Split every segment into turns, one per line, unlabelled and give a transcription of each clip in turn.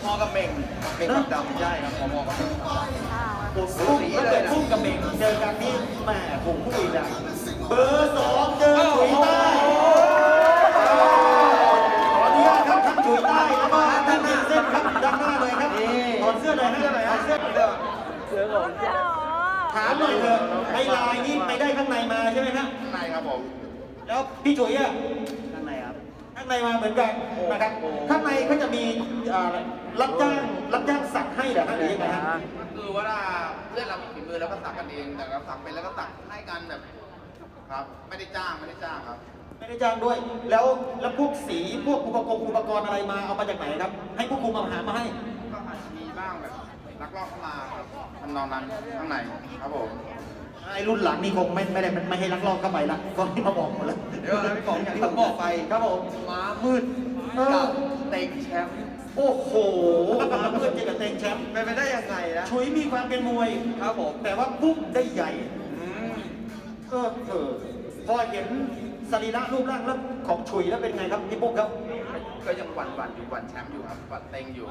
พอกับเม่งกับดำใช่ครับพอกับเม่ง
พุ่งถ้าเกิดพุ่งกับเม่งเจอกันนี่แหมผมพูดอีกนะเบอร์สองเจอฉุยใต้ขออนุญาตครับทั้งฉุยใต้แล้วก็ด้านหน้าเส้นครับด้านหน้าเลยครับถอดเสื้อเลยนะถอดเสื้อถามหน่อยเถอะไอ้ลายนี่ไปได้ข้างในมาใช่ไหมครับ
ข้างในครับผม
แล้วพี่ฉุยอะ
ข้างในครับ
ข้างในมาเหมือนกันนะครับข้างในเขาจะมีรับจ้างสักให้เหรอฮะหรือยังไงฮะ
คือว่าเพื่อนเรามีฝีมือแล้วก็สักกันเองแต่เราสักเป็นแล้วก็สักให้กันแบบครับไม่ได้จ้างครับ
ไม่ได้จ้างด้วย แล้วพวกสีพวกอุปกรณ์อะไรมาเอามาจากไหนครับ ให้ผู้คุมมาหามาให้
ก็อาจจะมีบ้างแบบลักลอบเข้ามาครับทำนองนั้นข้างในครับผม
ไอ้รุ่นหลังนี่คงไม่ให้ลักลอบเข้าไปละก็ที่มาบอกหมดแล้ว
เดี๋ยวนะพี่ป๋องอย่างที่ผมบอกไป
ครับผม
ม้ามืดกับเต็งแชมป์
โอ้โหมาเพื่อนเจอกับเต็งแชมป์
เป็นไปได้ยังไงนะ
ชุยมีความเป็นมวย
ครับผม
แต่ว่าปุ๊บได้ใหญ่
อืม
พอเห็นสรีระรูปร่างแล้วของชุยแล้วเป็นไงครับพี่ปุ๊กครับ
ก็ยังหวั่นอยู่หวั่นแชมป์อยู่ครับหวั่นเต็งอยู่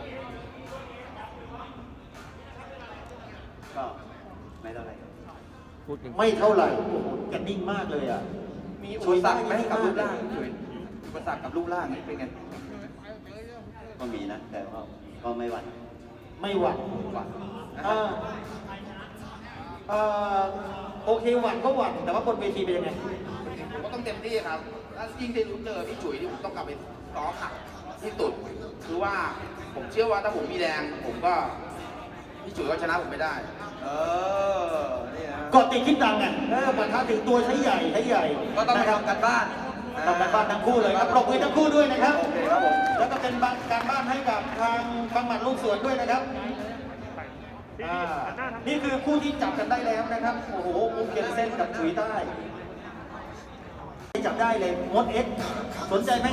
ก็ไม่เท่าไหร่
ไม่เท่าไหร่โอ้โหแกนิ่งมากเลยอ่ะ
มีอุปสรรคไหมกับรูปร่างอุปสรรคกับรูปร่างนี่เป็นไง
ก็มีนะ แต่ก็ไม่หวั่น
ไม่หวั่น
หวั่น
โอเคหวั่นก็หวั่นแต่ว่าบนเวทีเป็นยังไง
ผมก็ต้องเต็มที่ครับถ้ายิ่งได้รู้เจอพี่จุ๋ยที่ผมต้องกลับไปซ้อมหนักที่สุดคือว่าผมเชื่อว่าถ้าผมมีแรงผมก็พี่จุ๋ยก็ชนะผมไม่ได้ นี่นะ
กอดติดคิดดังไงปะทะถึงตัวใช้ใหญ่
ก็ต้องไป
นะครับ
ทำกันบ้าน
ทำการบ้านทั้งคู่เลยครับปรบมือทั้งคู่ด้วยนะครับ
โอเคครับผม
แล้วก็เป็นการบ้านให้กับทางบังหมัดลูกสวนด้วยนะครับนี่คือคู่ที่จับกันได้แล้วนะครับ โอ้โหมุกเกนเส้นกับฉุยใต้จับได้เลยมดเอ็กสนใจไหม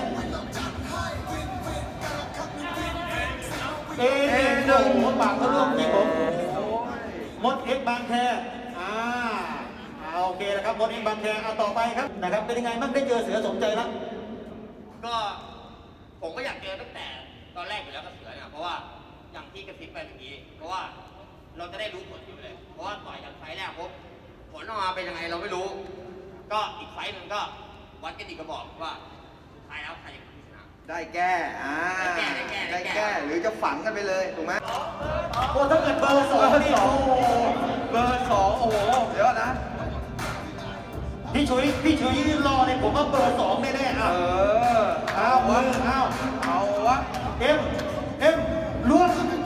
โอ้โหปากเขาร่วมจริงผมมดเอ็กบางแคโอเคนะครับมดเอ็กบางแคเอาต่อไปครับนะครับเป็นยังไงบ้างได้เจอเสือสมใจแล้ว
ก็ผมก็อยากเจอตั้งแต่ตอนแรกอยู่แล้วกับเสือเนี่ยเพราะว่าอย่างที่กระซิบไปเมื่อกี้เพราะว่าเราจะได้รู้ผลอยู่เลยเพราะว่าต่อยกันไฟล์แรกปุ๊บผลออกมาเป็นยังไงเราไม่รู้ ก็อีกไฟล์หนึงก็วัดกันอีกกระบอกว่าสุดท้ายแล้วใครจะชนะ
ได้แก้ได้แก้หรือจะฝังกันไปเลยถูกไหม
โอ้ถ้าเกิดเบอร์สองนี่โอ้โห
เบอร์สองโอ้โหเดี๋ยวนะ
พี่ชุยรอเนี่ยผมว่าเบอร์สองแน่ๆเอามือ
เอาวะ
เอ็มล้วง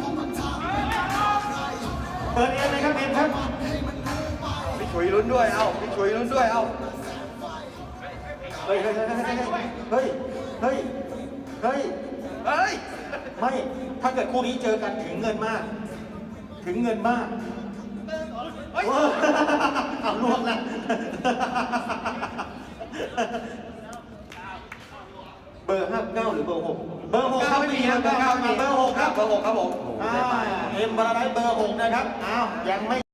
เปิดเอ็มเลยครับเอ็มครับ
พี่ฉุยลุ้นด้วยพี่ฉุยลุ้นด้วย
เฮ้ยไม่ถ้าเกิดคู่นี้เจอกันถึงเงินมากเอาลวกนะเบอร์59หรือเบอร์6เบอร์6ครับไม่มีเบอร์9มาเบอร์6ครับ
เบอร์6ครับผม
เอ็มบาราไดเบอร์6นะครับอ้าวยังไม่